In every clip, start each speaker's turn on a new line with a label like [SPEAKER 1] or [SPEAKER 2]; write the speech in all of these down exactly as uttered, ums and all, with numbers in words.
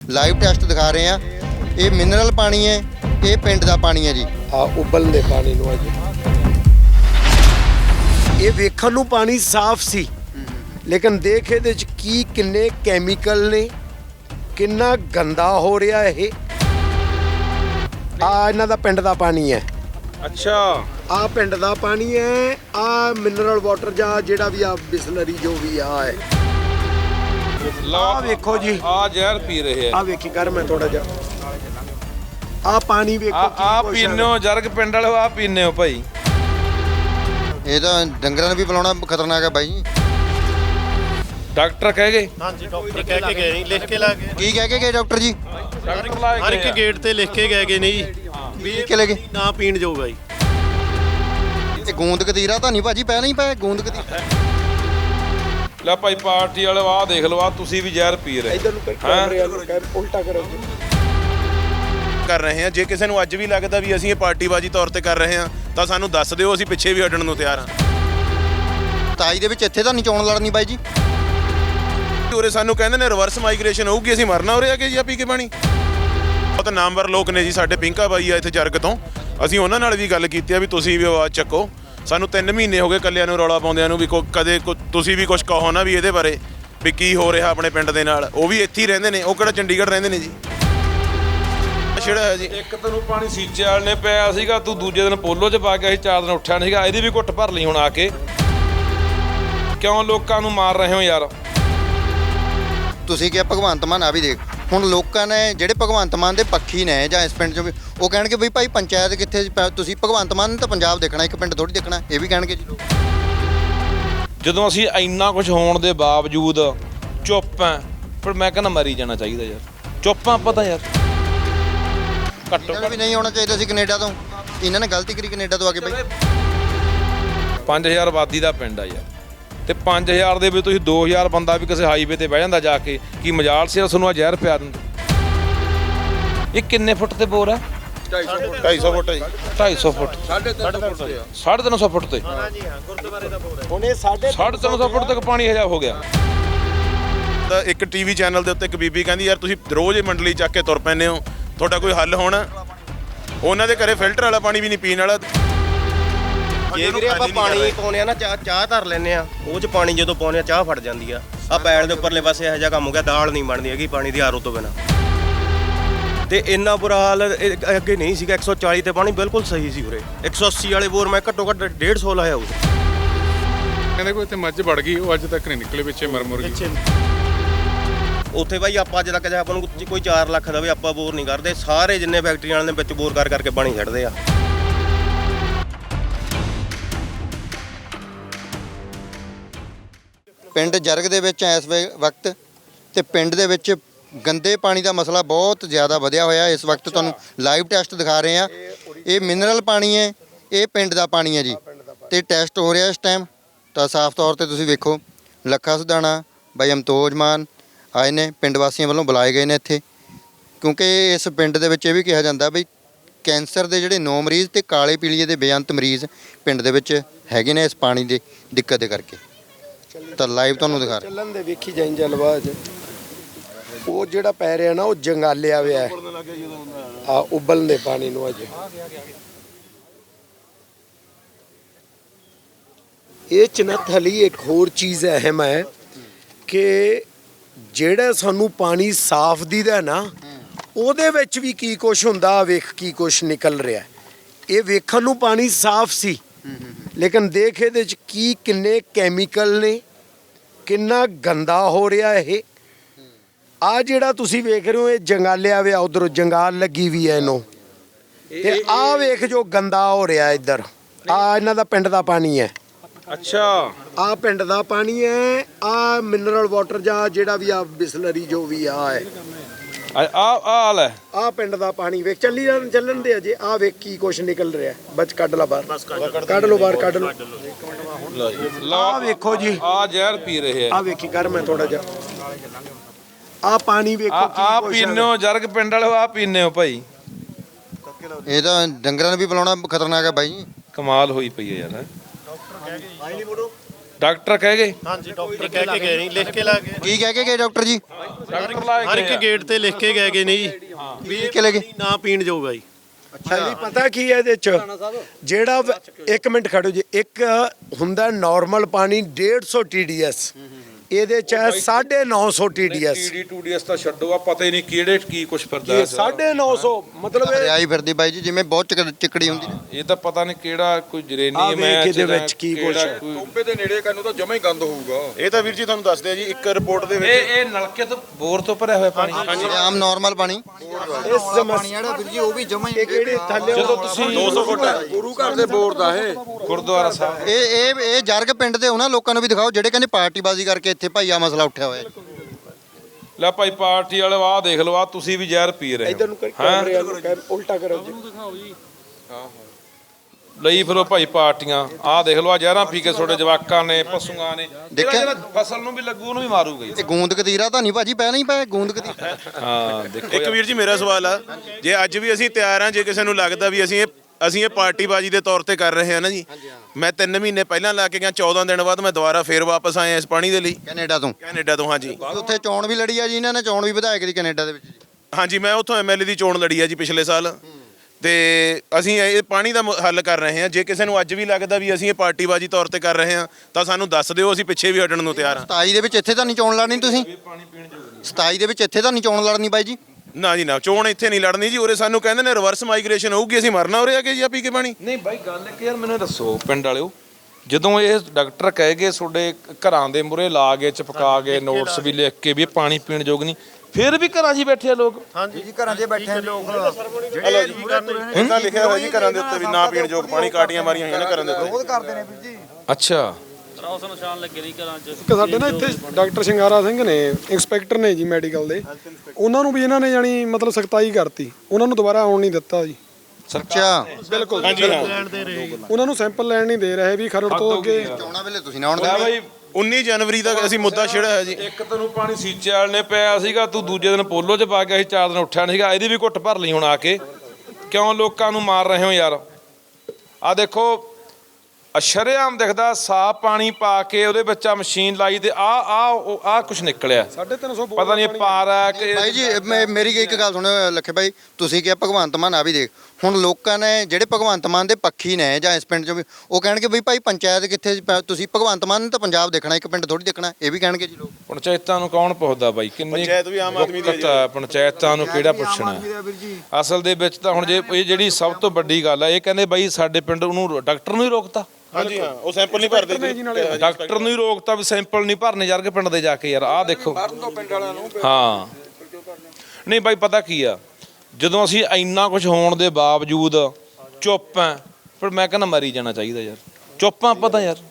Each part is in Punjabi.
[SPEAKER 1] ਲਾਈਵ ਟੈਸਟ ਦਿਖਾ ਰਹੇ ਆ। ਇਹ ਮਿਨਰਲ ਪਾਣੀ ਹੈ, ਇਹ ਪਿੰਡ ਦਾ ਪਾਣੀ ਹੈ ਜੀ।
[SPEAKER 2] ਆ ਉਬਲਦੇ ਪਾਣੀ ਨੂੰ ਅਜੇ ਇਹ ਵੇਖਣ ਨੂੰ ਪਾਣੀ ਸਾਫ਼ ਸੀ, ਲੇਕਿਨ ਦੇਖ ਇਹਦੇ ਚ ਕੀ ਕਿੰਨੇ ਕੈਮੀਕਲ ਨੇ, ਕਿੰਨਾ ਗੰਦਾ ਹੋ ਰਿਹਾ ਇਹ। ਆ ਇਹਨਾਂ ਦਾ ਪਿੰਡ ਦਾ ਪਾਣੀ ਹੈ।
[SPEAKER 3] ਅੱਛਾ,
[SPEAKER 2] ਆ ਪਿੰਡ ਦਾ ਪਾਣੀ ਹੈ। ਆ ਮਿਨਰਲ ਵਾਟਰ ਜਾਂ ਜਿਹੜਾ ਵੀ ਆ ਬਿਸਲਰੀ ਜੋ ਵੀ ਆ ਹੈ। ਆ ਵੇਖੋ ਜੀ,
[SPEAKER 3] ਆ ਜ਼ਹਿਰ ਪੀ ਰਹੇ ਆ।
[SPEAKER 2] ਆ ਵੇਖੀ ਕਰ ਮੈਂ ਥੋੜਾ ਜਿਹਾ ਆ ਪਾਣੀ ਵੇਖੋ।
[SPEAKER 3] ਆ ਆ ਪੀਨੇ ਹੋ ਜਰਗ ਪਿੰਡ ਵਾਲੇ, ਆ ਪੀਨੇ ਹੋ ਭਾਈ।
[SPEAKER 1] ਇਹ ਤਾਂ ਡੰਗਰਾਂ ਨੂੰ ਵੀ ਪਿਲਾਉਣਾ ਖਤਰਨਾਕ ਹੈ ਬਾਈ ਜੀ।
[SPEAKER 3] ਡਾਕਟਰ ਕਹਿ ਗਏ?
[SPEAKER 4] ਹਾਂਜੀ ਡਾਕਟਰ ਕਹਿ ਕੇ ਗਏ ਨਹੀਂ, ਲਿਖ ਕੇ ਲਾ ਗਏ।
[SPEAKER 1] ਕੀ ਕਹਿ ਕੇ ਗਏ ਡਾਕਟਰ ਜੀ?
[SPEAKER 3] ਡਾਕਟਰ ਲਾ
[SPEAKER 4] ਹਰ ਇੱਕ ਗੇਟ ਤੇ ਲਿਖ ਕੇ ਗਏ ਗਏ ਨੇ ਜੀ ਵੀ
[SPEAKER 1] ਲਿਖ ਕੇ ਲੈ ਗਏ?
[SPEAKER 4] ਨਾ ਪੀਣ ਜੋਗਾ ਜੀ।
[SPEAKER 1] ਇਹ ਗੂੰਦ ਕਤੀਰਾ ਤਾਂ ਨਹੀਂ ਭਾਜੀ ਪੈ ਨਹੀਂ ਪਿਆ? ਗੂੰਦ ਕਤੀਰਾ
[SPEAKER 3] ਲੈ ਭਾਈ ਪਾਰਟੀ ਵਾਲੇ, ਆਹ ਦੇਖ ਲਓ, ਆ ਤੁਸੀਂ ਵੀ ਜ਼ਹਿਰ ਪੀ ਰਹੇ।
[SPEAKER 2] ਇਧਰ ਨੂੰ ਕੈਮਰੇ ਨੂੰ ਕਰ ਉਲਟਾ ਕਰੋ ਜੀ।
[SPEAKER 5] ਕਰ ਰਹੇ ਹਾਂ। ਜੇ ਕਿਸੇ ਨੂੰ ਅੱਜ ਵੀ ਲੱਗਦਾ ਵੀ ਅਸੀਂ ਇਹ ਪਾਰਟੀਬਾਜ਼ੀ ਤੌਰ ਤੇ ਕਰ ਰਹੇ ਹਾਂ ਤਾਂ ਸਾਨੂੰ ਦੱਸ ਦਿਓ, ਅਸੀਂ ਪਿੱਛੇ ਵੀ ਹਟਣ ਨੂੰ ਤਿਆਰ ਹਾਂ।
[SPEAKER 1] ਤਾਈ ਦੇ ਵਿੱਚ ਇੱਥੇ ਤਾਂ ਨਹੀਂ ਚੋਣ ਲੜਨੀ ਬਾਈ ਜੀ।
[SPEAKER 5] ਉਰੇ ਸਾਨੂੰ ਕਹਿੰਦੇ ਨੇ ਰਿਵਰਸ ਮਾਈਗ੍ਰੇਸ਼ਨ ਹੋਊਗੀ, ਅਸੀਂ ਮਰਨਾ ਉਰੇ ਆ ਕੇ ਜੀ ਆ ਪੀ ਕੇ ਪਾਣੀ। ਬਹੁਤ ਨਾਮਵਰ ਲੋਕ ਨੇ ਜੀ ਸਾਡੇ, ਪਿੰਕਾ ਬਾਈ ਆ ਇੱਥੇ ਜਰਗ ਤੋਂ। ਅਸੀਂ ਉਹਨਾਂ ਨਾਲ ਵੀ ਗੱਲ ਕੀਤੀ ਆ ਵੀ ਤੁਸੀਂ ਵੀ ਆਵਾਜ਼ ਚੱਕੋ। ਸਾਨੂੰ ਤਿੰਨ ਮਹੀਨੇ ਹੋ ਗਏ ਇਕੱਲਿਆਂ ਨੂੰ ਰੌਲਾ ਪਾਉਂਦਿਆਂ ਨੂੰ ਵੀ ਕੋ ਕਦੇ ਕੋ ਤੁਸੀਂ ਵੀ ਕੁਝ ਕਹੋ ਨਾ ਵੀ ਇਹਦੇ ਬਾਰੇ ਵੀ ਕੀ ਹੋ ਰਿਹਾ ਆਪਣੇ ਪਿੰਡ ਦੇ ਨਾਲ। ਉਹ ਵੀ ਇੱਥੇ ਹੀ ਰਹਿੰਦੇ ਨੇ, ਉਹ ਕਿਹੜਾ ਚੰਡੀਗੜ੍ਹ ਰਹਿੰਦੇ ਨੇ ਜੀ। ਛਿੜਾ ਹੈ ਜੀ।
[SPEAKER 3] ਇੱਕ ਤੈਨੂੰ ਪਾਣੀ ਸੀਚੇ ਵਾਲੇ ਨੇ ਪਿਆ ਸੀਗਾ, ਤੂੰ ਦੂਜੇ ਦਿਨ ਪੋਲੋ 'ਚ ਪਾ ਕੇ ਅਸੀਂ ਚਾਰ ਦਿਨ ਉੱਠਿਆ ਨਹੀਂ ਸੀਗਾ। ਇਹਦੀ ਵੀ ਘੁੱਟ ਭਰ ਲਈ ਹੁਣ ਆ ਕੇ। ਕਿਉਂ ਲੋਕਾਂ ਨੂੰ ਮਾਰ ਰਹੇ ਹੋ ਯਾਰ?
[SPEAKER 1] ਤੁਸੀਂ ਕਿਹਾ ਭਗਵੰਤ ਮਾਨ ਆ ਵੀ ਦੇਖ, ਹੁਣ ਲੋਕਾਂ ਨੇ ਜਿਹੜੇ ਭਗਵੰਤ ਮਾਨ ਦੇ ਪੱਖੀ ਨੇ ਜਾਂ ਇਸ ਪਿੰਡ 'ਚ ਵੀ, ਉਹ ਕਹਿਣਗੇ ਬਈ ਭਾਈ ਪੰਚਾਇਤ ਕਿੱਥੇ? ਤੁਸੀਂ ਭਗਵੰਤ ਮਾਨ ਨੇ ਤਾਂ ਪੰਜਾਬ ਦੇਖਣਾ, ਇੱਕ ਪਿੰਡ ਥੋੜੀ ਦੇਖਣਾ। ਇਹ ਵੀ ਕਹਿਣਗੇ ਜੀ ਲੋਕ।
[SPEAKER 3] ਜਦੋਂ ਅਸੀਂ ਇੰਨਾ ਕੁਝ ਹੋਣ ਦੇ ਬਾਵਜੂਦ ਚੁੱਪ ਆ, ਪਰ ਮੈਂ ਕਹਿੰਦਾ ਮਰੀ ਜਾਣਾ ਚਾਹੀਦਾ ਯਾਰ। ਚੁੱਪ ਆ ਪਤਾ ਯਾਰ। ਘੱਟੋ
[SPEAKER 1] ਇਹਨਾਂ ਨੂੰ ਵੀ ਨਹੀਂ ਆਉਣਾ ਚਾਹੀਦਾ ਸੀ ਕੈਨੇਡਾ ਤੋਂ। ਇਹਨਾਂ ਨੇ ਗਲਤੀ ਕਰੀ ਕੈਨੇਡਾ ਤੋਂ ਆ ਕੇ ਬਾਈ।
[SPEAKER 3] ਪੰਜ ਹਜ਼ਾਰ ਆਬਾਦੀ ਦਾ ਪਿੰਡ ਆ ਯਾਰ, ਤੇ ਪੰਜ ਹਜ਼ਾਰ ਦੇ ਵਿੱਚ ਤੁਸੀਂ ਦੋ ਹਜ਼ਾਰ ਬੰਦਾ ਵੀ ਕਿਸੇ ਹਾਈਵੇ ਤੇ ਬਹਿ ਜਾਂਦਾ ਜਾ ਕੇ, ਕੀ ਮਜਾਲ ਸੀ ਤੁਹਾਨੂੰ ਆ ਜ਼ਹਿਰ ਪਿਆ ਦਿੰਦੇ? ਇਹ ਕਿੰਨੇ ਫੁੱਟ ਤੇ ਬੋਰ ਆ?
[SPEAKER 5] ਢਾਈ ਸੌ ਫੁੱਟ ਜੀ।
[SPEAKER 3] ਢਾਈ ਸੌ ਫੁੱਟ ਸਾਢੇ ਤਿੰਨ ਸੌ ਫੁੱਟ ਤੇ
[SPEAKER 4] ਹਾਂਜੀ ਹਾਂ, ਗੁਰਦੁਆਰੇ ਦਾ ਬੋਰ ਹੈ।
[SPEAKER 2] ਹੁਣ ਇਹ ਸਾਡੇ
[SPEAKER 3] ਸਾਢੇ ਤਿੰਨ ਸੌ ਫੁੱਟ ਤੱਕ ਪਾਣੀ ਹਜਾ ਹੋ ਗਿਆ।
[SPEAKER 5] ਤਾਂ ਇੱਕ ਟੀਵੀ ਚੈਨਲ ਦੇ ਉੱਤੇ ਇੱਕ ਬੀਬੀ ਕਹਿੰਦੀ ਯਾਰ ਤੁਸੀਂ ਰੋਜ਼ ਇਹ ਮੰਡਲੀ ਚੱਕ ਕੇ ਤੁਰ ਪੈਂਦੇ ਹੋ, ਤੁਹਾਡਾ ਕੋਈ ਹੱਲ ਹੋਣਾ? ਉਹਨਾਂ ਦੇ ਘਰੇ ਫਿਲਟਰ ਵਾਲਾ ਪਾਣੀ ਵੀ ਨਹੀਂ ਪੀਣ ਵਾਲਾ।
[SPEAKER 4] ਜੇ ਵੀਰੇ ਆਪਾਂ ਪਾਣੀ ਪਾਉਂਦੇ ਆ ਨਾ, ਚਾਹ ਚਾਹ ਧਰ ਲੈਂਦੇ ਆ, ਉਹ 'ਚ ਪਾਣੀ ਜਦੋਂ ਪਾਉਂਦੇ ਆ ਚਾਹ ਫਟ ਜਾਂਦੀ ਆ। ਆ ਪੈਲ ਦੇ ਉੱਪਰਲੇ ਪਾਸੇ ਇਹੋ ਜਿਹਾ ਕੰਮ ਹੋ ਗਿਆ, ਦਾਲ ਨਹੀਂ ਬਣਦੀ ਹੈਗੀ ਪਾਣੀ ਦੀ ਆਰਓ ਤੋਂ ਬਿਨਾਂ। ਤੇ ਇੰਨਾ ਬੁਰਾ ਹਾਲ ਇਹ ਅੱਗੇ ਨਹੀਂ ਸੀਗਾ। ਇੱਕ ਸੌ ਚਾਲੀ ਤੇ ਪਾਣੀ ਬਿਲਕੁਲ ਸਹੀ ਸੀ ਉਰੇ। ਇੱਕ ਸੌ ਅੱਸੀ ਵਾਲੇ ਬੋਰ ਮੈਂ ਘੱਟੋ ਘੱਟ ਡੇਢ ਸੌ ਲਾਇਆ ਹੋਊ।
[SPEAKER 6] ਕਹਿੰਦੇ ਕੋਈ ਇੱਥੇ ਮੱਝ ਵੜ ਗਈ, ਉਹ ਅੱਜ ਤੱਕ ਨਹੀਂ ਨਿਕਲੇ, ਪਿੱਛੇ ਮਰ ਮੁਰ ਗਈ।
[SPEAKER 4] ਉੱਥੇ ਬਾਈ ਆਪਾਂ ਅੱਜ ਤੱਕ ਜੇ ਆਪਾਂ ਨੂੰ ਕੋਈ ਚਾਰ ਲੱਖ ਦਾ ਵੀ ਆਪਾਂ ਬੋਰ ਨਹੀਂ ਕਰਦੇ। ਸਾਰੇ ਜਿੰਨੇ ਫੈਕਟਰੀਆਂ ਵਾਲੇ ਨੇ ਵਿੱਚ ਬੋਰ ਕਰ ਕਰਕੇ ਪਾਣੀ ਛੱਡਦੇ ਆ।
[SPEAKER 1] ਪਿੰਡ ਜਰਗ ਦੇ ਵਿੱਚ ਇਸ ਵੇ- ਵਕਤ ਤੇ ਪਿੰਡ ਦੇ ਵਿੱਚ ਗੰਦੇ ਪਾਣੀ ਦਾ ਮਸਲਾ ਬਹੁਤ ਜ਼ਿਆਦਾ ਵਧਿਆ ਹੋਇਆ। ਇਸ ਵਕਤ ਤੁਹਾਨੂੰ ਲਾਈਵ ਟੈਸਟ ਦਿਖਾ ਰਹੇ ਆ। ਇਹ ਮਿਨਰਲ ਪਾਣੀ ਹੈ, ਇਹ ਪਿੰਡ ਦਾ ਪਾਣੀ ਹੈ ਜੀ। ਤੇ ਟੈਸਟ ਹੋ ਰਿਹਾ ਇਸ ਟਾਈਮ। ਤਾਂ ਸਾਫ਼ ਤੌਰ ਤੇ ਤੁਸੀਂ ਵੇਖੋ, ਲੱਖਾ ਸੁਧਾਣਾ, ਬਾਈ ਅਮਤੋਜ ਮਾਨ ਆਏ ਨੇ, ਪਿੰਡ ਵਾਸੀਆਂ ਵੱਲੋਂ ਬੁਲਾਏ ਗਏ ਨੇ ਇੱਥੇ, ਕਿਉਂਕਿ ਇਸ ਪਿੰਡ ਦੇ ਵਿੱਚ ਇਹ ਵੀ ਕਿਹਾ ਜਾਂਦਾ ਬਈ ਕੈਂਸਰ ਦੇ ਜਿਹੜੇ ਨੌ ਮਰੀਜ਼ ਤੇ ਕਾਲੇ ਪੀਲੀਏ ਦੇ ਬੇਅੰਤ ਮਰੀਜ਼ ਪਿੰਡ ਦੇ ਵਿੱਚ ਹੈਗੇ ਨੇ ਇਸ ਪਾਣੀ ਦੀ ਦਿੱਕਤ ਦੇ ਕਰਕੇ। ਤਾਂ ਲਾਈਵ ਤੁਹਾਨੂੰ ਦਿਖਾ ਰਹੇ।
[SPEAKER 2] ਚੱਲਣ ਦੇ ਵੇਖੀ ਜਾਈਂ ਜਲਵਾਜ। ਉਹ ਜਿਹੜਾ ਪੈ ਰਿਹਾ ਨਾ, ਉਹ ਜੰਗਾਲਿਆ ਹੋਇਆ ਹੈ। ਆ ਉਬਲਦੇ ਪਾਣੀ ਨੂੰ ਅਜੇ ਇਹ ਚ ਨਾ ਥਲੀ ਇੱਕ ਹੋਰ ਚੀਜ਼ ਅਹਿਮ ਹੈ ਕਿ ਜਿਹੜਾ ਸਾਨੂੰ ਪਾਣੀ ਸਾਫ਼ ਦੀਦਾ ਨਾ, ਉਹਦੇ ਵਿੱਚ ਵੀ ਕੀ ਕੁਛ ਹੁੰਦਾ। ਵੇਖ ਕੀ ਕੁਛ ਨਿਕਲ ਰਿਹਾ। ਇਹ ਵੇਖਣ ਨੂੰ ਪਾਣੀ ਸਾਫ਼ ਸੀ, ਲੇਕਿਨ ਦੇਖ ਇਹਦੇ ਚ ਕੀ ਕਿੰਨੇ ਕੈਮੀਕਲ ਨੇ, ਕਿੰਨਾ ਗੰਦਾ ਹੋ ਰਿਹਾ ਇਹ। ਆ ਜਿਹੜਾ ਤੁਸੀਂ ਵੇਖ ਰਹੇ ਹੋ, ਇਹ ਜੰਗਾਲਿਆ ਹੋਇਆ, ਉਧਰੋਂ ਜੰਗਾਲ ਲੱਗੀ ਵੀ ਹੈ ਇਹਨੂੰ। ਤੇ ਆ ਵੇਖ ਜੋ ਗੰਦਾ ਹੋ ਰਿਹਾ ਇੱਧਰ। ਆ ਇਹਨਾਂ ਦਾ ਪਿੰਡ ਦਾ ਪਾਣੀ ਹੈ।
[SPEAKER 3] ਅੱਛਾ,
[SPEAKER 2] ਆ ਪਿੰਡ ਦਾ ਪਾਣੀ ਹੈ। ਆ ਮਿਨਰਲ ਵਾਟਰ ਜਾਂ ਜਿਹੜਾ ਵੀ ਆ ਬਿਸਲਰੀ ਜੋ ਵੀ ਆ ਹੈ।
[SPEAKER 3] ਆ ਆ ਲੈ
[SPEAKER 2] ਆ ਪਿੰਡ ਦਾ ਪਾਣੀ ਵੇਖ। ਚੱਲੀ ਜਾਣ ਚੱਲਣ ਦੇ ਅਜੇ। ਆ ਵੇਖ ਕੀ ਕੁਛ ਨਿਕਲ ਰਿਹਾ। ਬਚ ਕੱਢ ਲਾ ਬਾਹਰ, ਕੱਢ ਲਓ ਬਾਹਰ, ਕੱਢ ਲਓ। ਆ ਵੇਖੋ ਜੀ,
[SPEAKER 3] ਆ ਜ਼ਹਿਰ ਪੀ ਰਹੇ ਆ।
[SPEAKER 2] ਆ ਵੇਖੀ ਕਰ ਮੈਂ ਥੋੜਾ ਜਿਹਾ ਆ ਪਾਣੀ ਵੇਖੋ।
[SPEAKER 3] ਆ ਪੀਨੇ ਹੋ ਜਰਗ ਪਿੰਡ ਵਾਲੇ, ਆ ਪੀਨੇ ਹੋ ਭਾਈ।
[SPEAKER 1] ਇਹ ਤਾਂ ਡੰਗਰਾਂ ਨੂੰ ਵੀ ਪਿਲਾਉਣਾ ਖਤਰਨਾਕ ਹੈ ਬਾਈ ਜੀ।
[SPEAKER 3] ਕਮਾਲ ਹੋਈ ਪਈ ਹੈ ਯਾਰ। ਡਾਕਟਰ ਕਹਿ ਗਏ
[SPEAKER 7] ਹਾਂਜੀ ਡਾਕਟਰ ਕਹਿ ਕੇ ਗਏ ਨਹੀਂ ਲਿਖ ਕੇ ਲਾ ਕੇ
[SPEAKER 1] ਕੀ ਕਹਿ ਕੇ ਗਏ ਡਾਕਟਰ ਜੀ?
[SPEAKER 3] ਡਾਕਟਰ ਲਾਏ
[SPEAKER 7] ਹਰ ਇੱਕ ਗੇਟ ਤੇ ਲਿਖ ਕੇ ਗਏ ਗਏ ਨੇ ਜੀ ਵੀ
[SPEAKER 1] ਲਿਖ ਕੇ ਲੈ ਗਏ?
[SPEAKER 7] ਨਾ ਪੀਣ ਜਾਊਗਾ ਜੀ।
[SPEAKER 2] ਹਾਂਜੀ ਪਤਾ ਕੀ ਹੈ ਇਹਦੇ ਚ ਜਿਹੜਾ ਵ- ਇੱਕ ਮਿੰਟ ਖੜੋ ਜੀ। ਇੱਕ ਹੁੰਦਾ ਨਾਰਮਲ ਪਾਣੀ ਡੇਢ ਸੌ ਟੀ ਡੀ ਐਸ, ਇਹਦੇ ਚ ਹੈ ਸਾਢੇ ਨੌ ਸੌ T D S.
[SPEAKER 3] TD to D S ਤਾਂ ਛੱਡੋ, ਆ ਪਤਾ ਹੀ ਨਹੀਂ ਕਿਹੜੇ ਕੀ ਕੁਛ ਫਿਰਦਾ
[SPEAKER 2] ਇਹ ਸਾਢੇ ਨੌ ਸੌ ਮਤਲਬ ਇਹ
[SPEAKER 1] ਰਿਆਈ ਫਿਰਦੀ ਬਾਈ ਜੀ, ਜਿਵੇਂ ਬਹੁਤ ਚਿਕ- ਚਿਕੜੀ ਹੁੰਦੀ ਨਾ।
[SPEAKER 3] ਇਹ ਤਾਂ ਪਤਾ ਨਹੀਂ ਕਿਹੜਾ ਕੋਈ
[SPEAKER 2] ਆਹ
[SPEAKER 3] ਜਰੇਨੀ
[SPEAKER 2] ਵੇਖ
[SPEAKER 3] ਮੈਚ
[SPEAKER 2] ਇਹਦੇ
[SPEAKER 3] ਦਾ,
[SPEAKER 2] ਵਿੱਚ ਕੀ
[SPEAKER 3] ਕਿਹੜਾ
[SPEAKER 2] ਕੁਛ ਹੈ।
[SPEAKER 3] ਕੋਈ-
[SPEAKER 6] ਟੋਬੇ ਦੇ ਨੇੜੇ ਕੰਨੂ ਤਾਂ ਜਮਾ ਹੀ ਗੰਦ ਹੋਊਗਾ।
[SPEAKER 5] ਇਹ ਤਾਂ ਵੀਰ ਜੀ ਤੁਹਾਨੂੰ ਦੱਸਦੇ ਆ ਜੀ ਇੱਕ ਰਿਪੋਰਟ ਦੇ ਵਿੱਚ
[SPEAKER 3] ਇਹ ਇਹ ਨਲਕੇ ਤੋਂ ਬੋਰ ਤੋਂ ਭਰਿਆ ਹੋਇਆ ਪਾਣੀ।
[SPEAKER 1] ਇਹ ਆਮ ਨਾਰਮਲ ਪਾਣੀ।
[SPEAKER 2] ਇਸ ਸਮੱਸਿਆ ਇਹ ਕਿਹੜੀ ਥੱਲੇ
[SPEAKER 3] ਜਦੋਂ ਤੁਸੀਂ ਦੋ ਸੌ ਫੁੱਟ
[SPEAKER 6] ਗੁਰੂ ਘਰ ਦੇ ਬੋਰ ਦਾ ਇਹ
[SPEAKER 3] ਗੁਰਦੁਆਰਾ ਸਾਹਿਬ
[SPEAKER 1] ਇਹ ਇਹ ਇਹ ਜਰਗ ਪਿੰਡ ਦੇ ਉਹਨਾਂ ਲੋਕਾਂ ਨੂੰ ਵੀ ਦਿਖਾਓ ਜਿਹੜੇ ਕਹਿੰਦੇ ਪਾਰਟੀਬਾਜ਼ੀ ਕਰਕੇ ਇੱਥੇ ਭਾਈ ਆ ਮਸਲਾ ਉੱਠਿਆ ਹੋਇਆ ਹੈ।
[SPEAKER 3] ਲੈ ਭਾਈ ਪਾਰਟੀ ਵਾਲੇ ਆਹ ਦੇਖ ਲਓ, ਆ ਤੁਸੀਂ ਵੀ ਜ਼ਹਿਰ ਪੀ ਰਹੇ
[SPEAKER 2] ਇਧਰ ਨੂੰ
[SPEAKER 3] ਹੋ
[SPEAKER 2] ਕਰ
[SPEAKER 3] ਹੈਂ?
[SPEAKER 2] ਕੈਮਰੇ ਵੱਲ ਨੂੰ, ਕੈਮ- ਉਲਟਾ ਕਰੋ ਜੀ।
[SPEAKER 3] ਲਈ ਫਿਰੋ ਭਾਈ ਪਾਰਟੀਆਂ, ਆਹ ਦੇਖ ਲਓ ਆ ਜ਼ਹਿਰਾਂ ਪੀ ਕੇ ਤੁਹਾਡੇ ਜਵਾਕਾਂ ਨੇ ਪਸ਼ੂਆਂ ਨੇ ਜਿਹੜਾ
[SPEAKER 1] ਦੇਖਿਆ?
[SPEAKER 3] ਜਿਹੜਾ ਫਸਲ ਨੂੰ ਵੀ ਲੱਗੂ ਉਹਨੂੰ ਵੀ ਮਾਰੂਗਾ ਜੀ।
[SPEAKER 1] ਇਹ ਗੂੰਦ ਕਤੀਰਾ ਤਾਂ ਨਹੀਂ ਭਾਜੀ, ਪੈ ਨਹੀਂ ਪਿਆ ਗੂੰਦ ਕਤੀਰਾ।
[SPEAKER 3] ਹਾਂ ਦੇਖੋ
[SPEAKER 5] ਇੱਕ ਵੀਰ ਜੀ ਮੇਰਾ ਸਵਾਲ ਆ, ਜੇ ਅੱਜ ਵੀ ਅਸੀਂ ਤਿਆਰ ਆ, ਜੇ ਕਿਸੇ ਨੂੰ ਲੱਗਦਾ ਵੀ ਅਸੀਂ ਇਹ ਅਸੀਂ ਇਹ ਪਾਰਟੀਬਾਜ਼ੀ ਦੇ ਤੌਰ ਤੇ ਕਰ ਰਹੇ ਹਾਂ ਨਾ ਜੀ, ਮੈਂ ਤਿੰਨ ਮਹੀਨੇ ਪਹਿਲਾਂ ਲਾ ਕੇ ਗਿਆ, ਚੌਦਾਂ ਦਿਨ ਬਾਅਦ ਮੈਂ ਦੁਬਾਰਾ ਫੇਰ ਵਾਪਸ ਆਇਆ ਇਸ ਪਾਣੀ ਦੇ ਲਈ
[SPEAKER 1] ਕੈਨੇਡਾ ਤੋਂ।
[SPEAKER 5] ਕੈਨੇਡਾ ਤੋਂ। ਹਾਂਜੀ
[SPEAKER 1] ਉੱਥੇ ਚੋਣ ਵੀ ਲੜੀ ਆ ਜੀ ਇਹਨਾਂ ਨੇ, ਚੋਣ ਵੀ ਵਿਧਾਇਕ ਦੀ ਕੈਨੇਡਾ ਦੇ ਵਿੱਚ ਜੀ।
[SPEAKER 5] ਹਾਂਜੀ ਮੈਂ ਉੱਥੋਂ ਐਮ ਐਲ ਏ ਦੀ ਚੋਣ ਲੜੀ ਆ ਜੀ ਪਿਛਲੇ ਸਾਲ, ਤੇ ਅਸੀਂ ਇਹ ਪਾਣੀ ਦਾ ਮ- ਹੱਲ ਕਰ ਰਹੇ ਹਾਂ। ਜੇ ਕਿਸੇ ਨੂੰ ਅੱਜ ਵੀ ਲੱਗਦਾ ਵੀ ਅਸੀਂ ਇਹ ਪਾਰਟੀਬਾਜ਼ੀ ਤੌਰ ਤੇ ਕਰ ਰਹੇ ਹਾਂ ਤਾਂ ਸਾਨੂੰ ਦੱਸ ਦਿਓ, ਅਸੀਂ ਪਿੱਛੇ ਵੀ ਹਟਣ ਨੂੰ ਤਿਆਰ ਹਾਂ।
[SPEAKER 1] ਸਤਾਈ ਦੇ ਵਿੱਚ ਇੱਥੇ ਤਾਂ ਨਹੀਂ ਚੋਣ ਲੜਨੀ ਤੁਸੀਂ? ਸਤਾਈ ਦੇ ਵਿੱਚ ਇੱਥੇ ਤਾਂ ਨਹੀਂ ਚੋਣ ਲੜਨੀ ਬਾਈ ਜੀ?
[SPEAKER 5] ਨਾ ਜੀ ਨਾ, ਚੋਣ ਇੱਥੇ ਨਹੀਂ ਲੜਨੀ ਜੀ। ਉਰੇ ਸਾਨੂੰ ਕਹਿੰਦੇ ਨੇ ਰਿਵਰਸ ਮਾਈਗ੍ਰੇਸ਼ਨ ਹੋਊਗੀ, ਅਸੀਂ ਮਰਨਾ ਉਰੇ ਆ ਕੇ ਜੀ ਆ ਪੀ ਕੇ ਪਾਣੀ।
[SPEAKER 3] ਨਹੀਂ ਬਾਈ ਗੱਲ ਇੱਕ ਯਾਰ ਮੈਨੂੰ ਦੱਸੋ ਪਿੰਡ ਵਾਲਿਓ, ਜਦੋਂ ਇਹ ਡਾਕਟਰ ਕਹਿ ਗਏ ਤੁਹਾਡੇ ਘਰਾਂ ਦੇ ਮੂਹਰੇ ਲਾ ਕੇ ਚਪਕਾ ਕੇ ਨੋਟਸ ਵੀ ਲਿਖ ਕੇ ਵੀ ਇਹ ਪਾਣੀ ਪੀਣ ਯੋਗ ਨਹੀਂ, ਫਿਰ ਵੀ ਘਰਾਂ 'ਚ ਹੀ ਬੈਠੇ ਆ ਲੋਕ।
[SPEAKER 7] ਹਾਂਜੀ ਜੀ ਘਰਾਂ 'ਚ ਬੈਠੇ ਲੋਕ
[SPEAKER 5] ਹਲੋ ਜੀ ਇਹਨਾਂ ਲਿਖਿਆ ਹੋਇਆ ਜੀ ਘਰਾਂ ਦੇ ਉੱਤੇ ਵੀ ਨਾ ਪੀਣ ਯੋਗ ਪਾਣੀ, ਕਾਟੀਆਂ ਮਾਰੀਆਂ ਹੋਈਆਂ ਨੇ ਘਰਾਂ ਦੇ ਉੱਤੇ।
[SPEAKER 7] ਕਰਦੇ ਨੇ ਵੀਰ ਜੀ।
[SPEAKER 3] ਅੱਛਾ
[SPEAKER 8] ਕਿ ਸਾਡੇ ਨਾ ਇੱਥੇ ਡਾਕਟਰ ਸ਼ਿੰਗਾਰਾ ਸਿੰਘ ਨੇ, ਇੰਸਪੈਕਟਰ ਨੇ ਜੀ ਮੈਡੀਕਲ ਦੇ, ਉਹਨਾਂ ਨੂੰ ਵੀ ਇਹਨਾਂ ਨੇ ਜਾਣੀ ਮਤਲਬ ਸਖਤਾਈ ਕਰਤੀ, ਉਹਨਾਂ ਨੂੰ ਦੁਬਾਰਾ ਆਉਣ ਨਹੀਂ ਦਿੱਤਾ ਜੀ।
[SPEAKER 1] ਅੱਛਾ,
[SPEAKER 8] ਬਿਲਕੁਲ
[SPEAKER 5] ਹਾਂਜੀ ਹਾਂ
[SPEAKER 8] ਉਹਨਾਂ ਨੂੰ ਸੈਂਪਲ ਲੈਣ ਨਹੀਂ ਦੇ ਰਹੇ ਵੀ ਖਰੜ ਤੋਂ ਅੱਗੇ।
[SPEAKER 1] ਚੋਣਾਂ ਵੇਲੇ ਤੁਸੀਂ ਨਾ ਆਉਣ
[SPEAKER 3] ਲੈ
[SPEAKER 1] ਦੇ।
[SPEAKER 3] ਬਾਈ
[SPEAKER 5] ਉੱਨੀ ਜਨਵਰੀ ਤੱਕ ਅਸੀਂ ਮੁੱਦਾ ਛੇੜਿਆ ਹੈ ਜੀ।
[SPEAKER 3] ਇੱਕ ਤੈਨੂੰ ਪਾਣੀ ਸੀਚੇ ਵਾਲ ਨੇ ਪਿਆ ਸੀਗਾ, ਤੂੰ ਦੂਜੇ ਦਿਨ ਪੋਲੋ 'ਚ ਪਾ ਕੇ ਅਸੀਂ ਚਾਰ ਦਿਨ ਉੱਠਿਆ ਨਹੀਂ ਸੀਗਾ, ਇਹਦੀ ਵੀ ਘੁੱਟ ਭਰ ਲਈ ਹੁਣ ਆ ਕੇ। ਕਿਉਂ ਲੋਕਾਂ ਨੂੰ ਮਾਰ ਰਹੇ ਹੋ ਯਾਰ? ਆ ਦੇਖੋ ਸ਼ਰੇਆਮ ਦਿਖਦਾ, ਸਾਫ ਪਾਣੀ ਪਾ ਕੇ ਉਹਦੇ ਵਿੱਚ ਆ ਮਸ਼ੀਨ ਲਾਈ ਤੇ ਆ ਆ ਆ ਕੁਝ ਨਿਕਲਿਆ।
[SPEAKER 8] ਸਾਢੇ ਤਿੰਨ ਸੌ
[SPEAKER 3] ਪਤਾ ਨਹੀਂ ਪਾਰ ਆ ਕਿ
[SPEAKER 1] ਬਾਈ ਜੀ ਮੈਂ- ਮੇਰੀ ਇੱਕ ਗੱਲ ਸੁਣੋ ਲੱਖੇ ਬਾਈ, ਤੁਸੀਂ ਕਿਹਾ ਭਗਵੰਤ ਮਾਨ ਆ ਵੀ ਦੇਖ, ਹੁਣ ਲੋਕਾਂ ਨੇ ਜਿਹੜੇ ਭਗਵੰਤ ਮਾਨ ਦੇ ਪੱਖੀ ਨੇ ਜਾਂ ਇਸ ਪਿੰਡ 'ਚ ਵੀ, ਉਹ ਕਹਿਣਗੇ ਬਈ ਭਾਈ ਪੰਚਾਇਤ ਕਿੱਥੇ ਸੀ? ਪ- ਤੁਸੀਂ ਭਗਵੰਤ ਮਾਨ ਨੇ ਤਾਂ ਪੰਜਾਬ ਦੇਖਣਾ, ਇੱਕ ਪਿੰਡ ਥੋੜੀ ਦੇਖਣਾ, ਇਹ ਵੀ ਕਹਿਣਗੇ ਜੀ ਲੋਕ।
[SPEAKER 3] ਪੰਚਾਇਤਾਂ ਨੂੰ ਕੌਣ ਪੁੱਛਦਾ ਬਾਈ? ਕਿੰਨੀ
[SPEAKER 5] ਪੰਚਾਇਤ ਵੀ ਆਮ ਆਦਮੀ ਦੀ ਹੈ ਜੀ।
[SPEAKER 3] ਵਕਤ ਆ, ਪੰਚਾਇਤਾਂ ਨੂੰ ਕਿਹੜਾ ਪੁੱਛਣਾ? ਅਸਲ ਦੇ ਵਿੱਚ ਤਾਂ ਹੁਣ ਜੇ ਇਹ ਜਿਹੜੀ ਸਭ ਤੋਂ ਵੱਡੀ ਗੱਲ ਆ, ਇਹ ਕਹਿੰਦੇ ਬਾਈ ਸਾਡੇ ਪਿੰਡ ਉਹਨੂੰ ਡਾਕਟਰ ਨੂੰ ਹੀ ਰੋਕਤਾ।
[SPEAKER 5] ਹਾਂਜੀ ਹਾਂ, ਉਹ ਸੈਂਪਲ ਨਹੀਂ ਭਰਦੇ ਜੀ।
[SPEAKER 3] ਡਾਕਟਰ ਨੂੰ ਹੀ ਰੋਕਤਾ ਵੀ ਸੈਂਪਲ ਨਹੀਂ ਭਰਨੇ ਯਾਰ ਕੇ ਪਿੰਡ ਦੇ ਜਾ ਕੇ। ਯਾਰ ਆਹ ਦੇਖੋ ਹਾਂ, ਨਹੀਂ ਬਾਈ ਪਤਾ ਕੀ ਆ, ਜਦੋਂ ਅਸੀਂ ਇੰਨਾ ਕੁਝ ਹੋਣ ਦੇ ਬਾਵਜੂਦ ਚੁੱਪ ਆ, ਪਰ ਮੈਂ ਕਹਿੰਦਾ ਮਰੀ ਜਾਣਾ ਚਾਹੀਦਾ ਯਾਰ। ਚੁੱਪ ਆ ਪਤਾ ਯਾਰ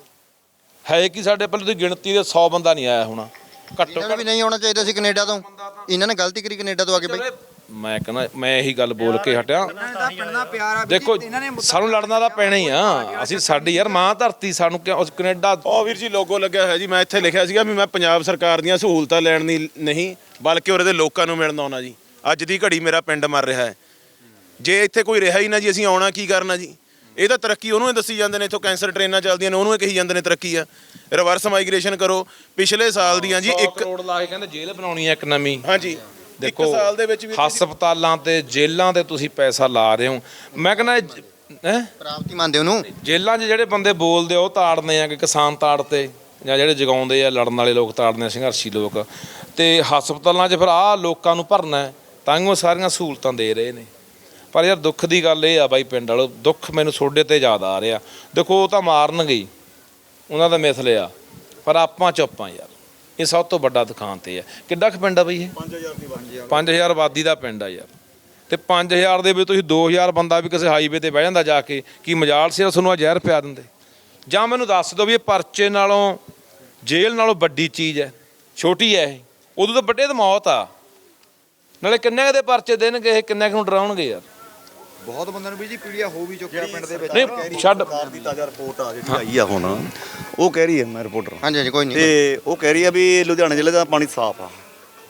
[SPEAKER 3] ਹੈ ਕਿ ਸਾਡੇ ਪਹਿਲੇ ਦੀ ਗਿਣਤੀ ਦੇ ਸੌ ਬੰਦਾ ਨਹੀਂ ਆਇਆ ਹੋਣਾ ਘੱਟੋ
[SPEAKER 1] ਇਹਨਾਂ ਨੂੰ ਵੀ ਨਹੀਂ ਆਉਣਾ ਚਾਹੀਦਾ ਸੀ ਕੈਨੇਡਾ ਤੋਂ, ਇਹਨਾਂ ਨੇ ਗਲਤੀ ਕਰੀ ਕੈਨੇਡਾ ਤੋਂ ਆ ਕੇ ਬਾਈ।
[SPEAKER 3] ਮੈਂ ਕਹਿੰਦਾ ਮੈਂ ਇਹੀ ਗੱਲ ਬੋਲ ਕੇ ਹਟਿਆ। ਦੇਖੋ ਸਾਨੂੰ ਲੜਨਾ ਤਾਂ ਪੈਣਾ ਹੀ ਆ, ਅਸੀਂ ਸਾਡੀ ਯਾਰ ਮਾਂ ਧਰਤੀ, ਸਾਨੂੰ ਕਿਉਂ ਉਸ ਕੈਨੇਡਾ।
[SPEAKER 5] ਉਹ ਵੀਰ ਜੀ ਲੋਗੋ ਲੱਗਿਆ ਹੋਇਆ ਜੀ, ਮੈਂ ਇੱਥੇ ਲਿਖਿਆ ਸੀਗਾ ਵੀ ਮੈਂ ਪੰਜਾਬ ਸਰਕਾਰ ਦੀਆਂ ਸਹੂਲਤਾਂ ਲੈਣ ਦੀ ਨਹੀਂ, ਬਲਕਿ ਉਰੇ ਦੇ ਲੋਕਾਂ ਨੂੰ ਮਿਲਣ ਆਉਣਾ ਜੀ। ਅੱਜ ਦੀ ਘੜੀ ਮੇਰਾ ਪਿੰਡ ਮਰ ਰਿਹਾ ਹੈ, ਜੇ ਇੱਥੇ ਕੋਈ ਰਿਹਾ ਹੀ ਨਾ ਜੀ, ਅਸੀਂ ਆਉਣਾ ਕੀ ਕਰਨਾ ਜੀ? ਇਹ ਤਾਂ ਤਰੱਕੀ ਉਹਨੂੰ ਹੀ ਦੱਸੀ ਜਾਂਦੇ ਨੇ, ਇੱਥੋਂ ਕੈਂਸਰ ਟ੍ਰੇਨਾਂ ਚੱਲਦੀਆਂ ਨੇ ਉਹਨੂੰ ਹੀ ਕਹੀ ਜਾਂਦੇ ਨੇ ਤਰੱਕੀ ਆ। ਰਿਵਰਸ ਮਾਈਗ੍ਰੇਸ਼ਨ ਕਰੋ ਪਿਛਲੇ ਸਾਲ ਦੀਆਂ ਜੀ, ਇੱਕ
[SPEAKER 3] ਕਰੋੜ ਲਾ ਕੇ ਕਹਿੰਦੇ ਜੇਲ੍ਹ ਬਣਾਉਣੀ ਹੈ ਇੱਕ ਨਵੀਂ।
[SPEAKER 5] ਹਾਂਜੀ
[SPEAKER 3] ਦੇਖੋ
[SPEAKER 5] ਇੱਕ ਸਾਲ ਦੇ ਵਿੱਚ ਵੀ
[SPEAKER 3] ਹਸਪਤਾਲਾਂ ਤੇ ਜੇਲ੍ਹਾਂ ਤੇ ਤੁਸੀਂ ਪੈਸਾ ਲਾ ਰਹੇ ਹੋ। ਮੈਂ ਕਹਿੰਦਾ ਹੈ
[SPEAKER 1] ਪ੍ਰਾਪਤੀ ਮੰਨਦੇ ਉਹਨੂੰ।
[SPEAKER 3] ਜੇਲ੍ਹਾਂ 'ਚ ਜਿਹੜੇ ਬੰਦੇ ਬੋਲਦੇ ਉਹ ਤਾੜਨੇ ਆ ਕਿ ਕਿਸਾਨ ਤਾੜਤੇ, ਜਾਂ ਜਿਹੜੇ ਜਗਾਉਂਦੇ ਆ ਲੜਨ ਵਾਲੇ ਲੋਕ ਤਾੜਨੇ ਆ, ਸੰਘਰਸ਼ੀ ਲੋਕ। ਤੇ ਹਸਪਤਾਲਾਂ 'ਚ ਫਿਰ ਆਹ ਲੋਕਾਂ ਨੂੰ ਭਰਨਾ, ਤਾਂ ਹੀ ਉਹ ਸਾਰੀਆਂ ਸਹੂਲਤਾਂ ਦੇ ਰਹੇ ਨੇ। ਪਰ ਯਾਰ ਦੁੱਖ ਦੀ ਗੱਲ ਇਹ ਆ ਬਾਈ ਪਿੰਡ ਵਾਲੋ, ਦੁੱਖ ਮੈਨੂੰ ਤੁਹਾਡੇ ਤੇ ਜ਼ਿਆਦਾ ਆ ਰਿਹਾ। ਦੇਖੋ ਉਹ ਤਾਂ ਮਾਰਨਗੇ ਹੀ, ਉਹਨਾਂ ਦਾ ਮਿਥ ਲਿਆ, ਪਰ ਆਪਾਂ ਚੁੱਪ ਆ ਯਾਰ। ਇਹ ਸਭ ਤੋਂ ਵੱਡਾ ਦੁਕਾਨ ਤੇ ਹੈ। ਕਿੱਡਾ ਕੁ ਪਿੰਡ ਆ ਬਈ ਇਹ? ਪੰਜ ਹਜ਼ਾਰ ਆਬਾਦੀ ਦਾ ਪਿੰਡ ਆ ਯਾਰ। ਤੇ ਪੰਜ ਹਜ਼ਾਰ ਦੇ ਵਿੱਚ ਤੁਸੀਂ ਦੋ ਹਜ਼ਾਰ ਬੰਦਾ ਵੀ ਕਿਸੇ ਹਾਈਵੇ ਤੇ ਬਹਿ ਜਾਂਦਾ ਜਾ ਕੇ, ਕੀ ਮਜਾਲ ਸੀ ਤੁਹਾਨੂੰ ਆ ਜ਼ਹਿਰ ਪਿਆ ਦਿੰਦੇ? ਜਾਂ ਮੈਨੂੰ ਦੱਸ ਦਿਓ ਵੀ ਇਹ ਪਰਚੇ ਨਾਲੋਂ ਜੇਲ੍ਹ ਨਾਲੋਂ ਵੱਡੀ ਚੀਜ਼ ਹੈ? ਛੋਟੀ ਹੈ ਇਹ? ਉਦੋਂ ਤਾਂ ਵੱਡੇ ਤਾਂ ਮੌਤ ਆ। ਨਾਲੇ ਕਿੰਨੇ ਕੁ ਦੇ ਪਰਚੇ ਦੇਣਗੇ ਇਹ, ਕਿੰਨੇ ਕੁ ਨੂੰ ਡਰਾਉਣਗੇ ਯਾਰ?
[SPEAKER 9] ਬਹੁਤ ਬੰਦਿਆਂ ਨੂੰ ਵੀ ਜੀ ਪੀੜੀਆ ਹੋ ਵੀ ਚੁੱਕਿਆ ਪਿੰਡ ਦੇ ਵਿੱਚ।
[SPEAKER 3] ਨਹੀਂ ਛੱਡ
[SPEAKER 9] ਦੀ ਤਾਜ਼ਾ ਰਿਪੋਰਟ ਆ ਜਿਹੜੀ ਆਈ ਆ ਹੁਣ, ਉਹ ਕਹਿ ਰਹੀ ਹੈ, ਮੈਂ ਰਿਪੋਰਟਰ
[SPEAKER 1] ਹਾਂਜੀ ਹਾਂਜੀ ਕੋਈ ਨਹੀਂ।
[SPEAKER 9] ਤੇ ਉਹ ਕਹਿ ਰਹੀ ਆ ਵੀ ਲੁਧਿਆਣਾ ਜ਼ਿਲ੍ਹੇ ਦਾ ਪਾਣੀ ਸਾਫ਼ ਆ।